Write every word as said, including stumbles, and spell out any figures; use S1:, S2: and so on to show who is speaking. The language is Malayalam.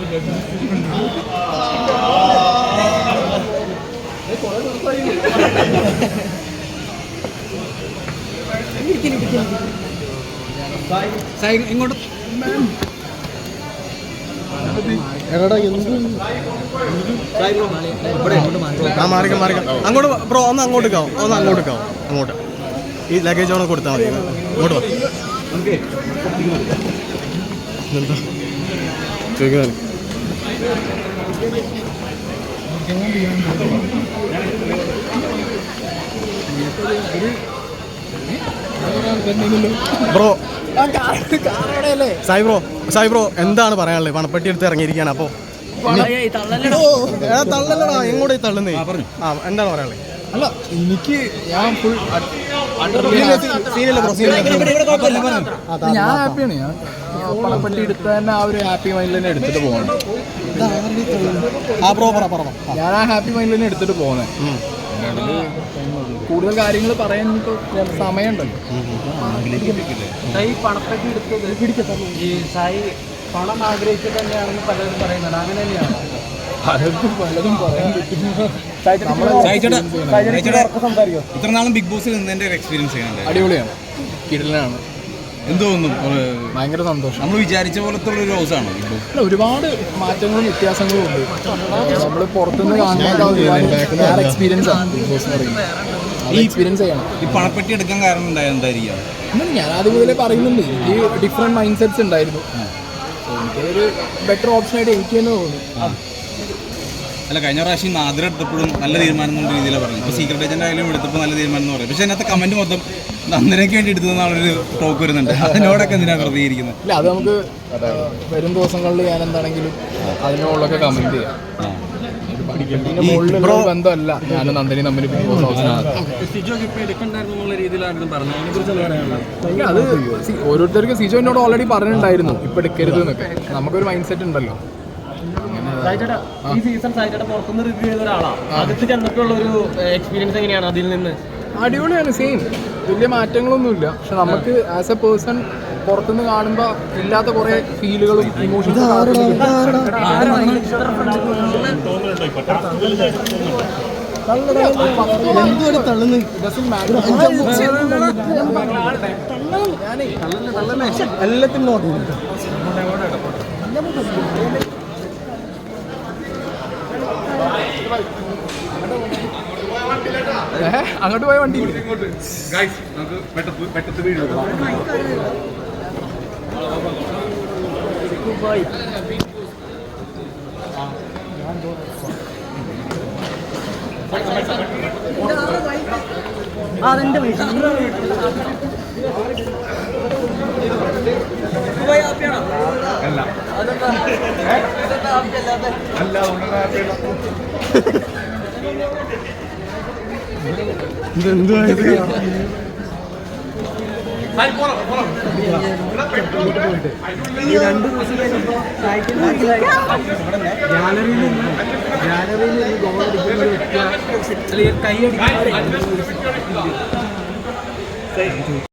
S1: ഇങ്ങോട്ട്
S2: എടാ എന്ത് ആ മാറിക്കാം മാറിക്കാം അങ്ങോട്ട് ബ്രോ ഒന്ന് അങ്ങോട്ട് കാവും ഒന്ന് അങ്ങോട്ട് കാവും അങ്ങോട്ട് ഈ ലഗേജ് ഒന്ന് കൊടുത്താൽ മതി അങ്ങോട്ട് വാ എന്താ ചോദിക്കാൻ bro Sai bro Sai bro എന്താണ് പറയാനുള്ളത്? പണപ്പെട്ടി എടുത്ത് ഇറങ്ങിയിരിക്കുകയാണ്. അപ്പോൾ തള്ളല്ലടാ എങ്ങോട്ട് തള്ളുന്നേ? ആ എന്താണ് പറയാനുള്ളത്?
S1: അല്ല എനിക്ക് ഞാൻ ഫുൾ ഞാൻ ഹാപ്പിയാണ്. ഞാൻ പണപ്പെട്ടി എടുത്ത് തന്നെ ആ ഒരു ഹാപ്പി മൈൻഡിൽ തന്നെ എടുത്തിട്ട് പോകണം. ഞാൻ ആ ഹാപ്പി മൈൻഡിൽ തന്നെ എടുത്തിട്ട് പോകുന്നത്. കൂടുതൽ കാര്യങ്ങൾ പറയാൻ സമയമുണ്ടല്ലോ.
S3: സായി പണപ്പെട്ടി എടുത്തത് ഈ സായി പണം ആഗ്രഹിച്ചിട്ട് തന്നെയാണെന്ന് പലരും പറയുന്നുണ്ട്. അങ്ങനെ തന്നെയാണ്
S1: പലതും പലതും പറയാൻ പറ്റും.
S4: ഇത്ര നാളും ബിഗ് ബോസിൽ നിന്നതിന്റെ ഒരു എക്സ്പീരിയൻസ് ചെയ്യുന്നുണ്ട്.
S1: അടിപൊളിയാണ്, കിടലാണ്.
S4: എന്ത് തോന്നുന്നു?
S1: ഭയങ്കര സന്തോഷം.
S4: നമ്മൾ വിചാരിച്ച പോലത്തെ ഒരു ഹൗസാണോ ബിഗ് ബോസ്?
S1: അല്ല, ഒരുപാട് മാറ്റങ്ങളും വ്യത്യാസങ്ങളും ഉണ്ട്. നമ്മൾ പുറത്തുനിന്ന് കാണുന്ന എക്സ്പീരിയൻസ് ആണ് ബിഗ് ബോസ് എന്ന് പറയുന്നത്. ഈ എക്സ്പീരിയൻസ് ചെയ്യണം.
S4: ഈ പണപ്പെട്ടി എടുക്കാൻ കാരണം ഉണ്ടായത് എന്തായിരിക്കും?
S1: ഞാൻ ആദ്യം മുതലേ പറയുന്നുണ്ട്, എനിക്ക് ഡിഫറെൻറ്റ് മൈൻഡ് സെറ്റ്സ് ഉണ്ടായിരുന്നു. എനിക്കൊരു ബെറ്റർ ഓപ്ഷനായിട്ട് എനിക്ക് തന്നെ തോന്നുന്നു.
S4: അല്ല, കഴിഞ്ഞ പ്രാവശ്യം നാദിര എടുത്തപ്പോഴും നല്ല തീരുമാനം എന്നുള്ള രീതിയിലാണ് പറഞ്ഞത്. ഇപ്പോൾ സീക്രട്ട് ഏജന്റ് ആയാലും എടുത്തപ്പോൾ നല്ല തീരുമാനം എന്ന് പറയും. പക്ഷേ അതിനകത്ത് കമന്റ് മൊത്തം നന്ദനയ്ക്ക് വേണ്ടി എടുത്തതെന്നുള്ളൊരു ടോക്ക് വരുന്നുണ്ട്. അതിനോടൊക്കെ എന്തിനാണ് പ്രതികരിക്കുന്നത്?
S1: ഇല്ല, അത് നമുക്ക് വരും ദിവസങ്ങളിൽ ഞാൻ എന്താണെങ്കിലും അതിനോടൊക്കെ കമന്റ് ചെയ്യാം. പിന്നെ മുകളിലുള്ള ബന്ധമല്ല ഞാനും നന്ദനി തമ്മിൽ ബിഗ് ബോസ് ഹൗസിനകത്ത്. അത് ഓരോരുത്തർക്ക് സിജോ എന്നോട് ഓൾറെഡി പറഞ്ഞിട്ടുണ്ടായിരുന്നു ഇപ്പൊ എടുക്കരുത് എന്നൊക്കെ. നമുക്കൊരു മൈൻഡ് സെറ്റ് ഉണ്ടല്ലോ.
S3: ഈ സീസൺ സായിച്ചേട്ടാ പുറത്തുനിന്ന് റിവ്യൂ ചെയ്ത ഒരാളാണ്. അകത്ത് ചെന്നപ്പോഴുള്ള ഒരു എക്സ്പീരിയൻസ് എങ്ങനെയാണ്? അതിൽ നിന്ന്
S1: അടിപൊളിയാണ്. സെയിം, വലിയ മാറ്റങ്ങളൊന്നുമില്ല. പക്ഷെ നമുക്ക് ആസ് എ പേഴ്സൺ പുറത്തുനിന്ന് കാണുമ്പോൾ ഇല്ലാത്ത കുറേ ഫീലുകളും ഇമോഷൻസും
S2: എല്ലാത്തിനും നോക്കി
S1: അങ്ങോട്ട് പോയ വണ്ടി
S3: അതെന്റെ പൈസ
S2: ഇതെന്തുവായത്?
S3: രണ്ടു ദിവസം കഴിഞ്ഞപ്പോൾ ഗാലറിയിൽ നിന്ന് ഗാലറിയിൽ നിന്ന് ഗോൾ അടിക്കുന്ന ഒരു വ്യക്തി അല്ലെങ്കിൽ കൈ അടിക്കുന്ന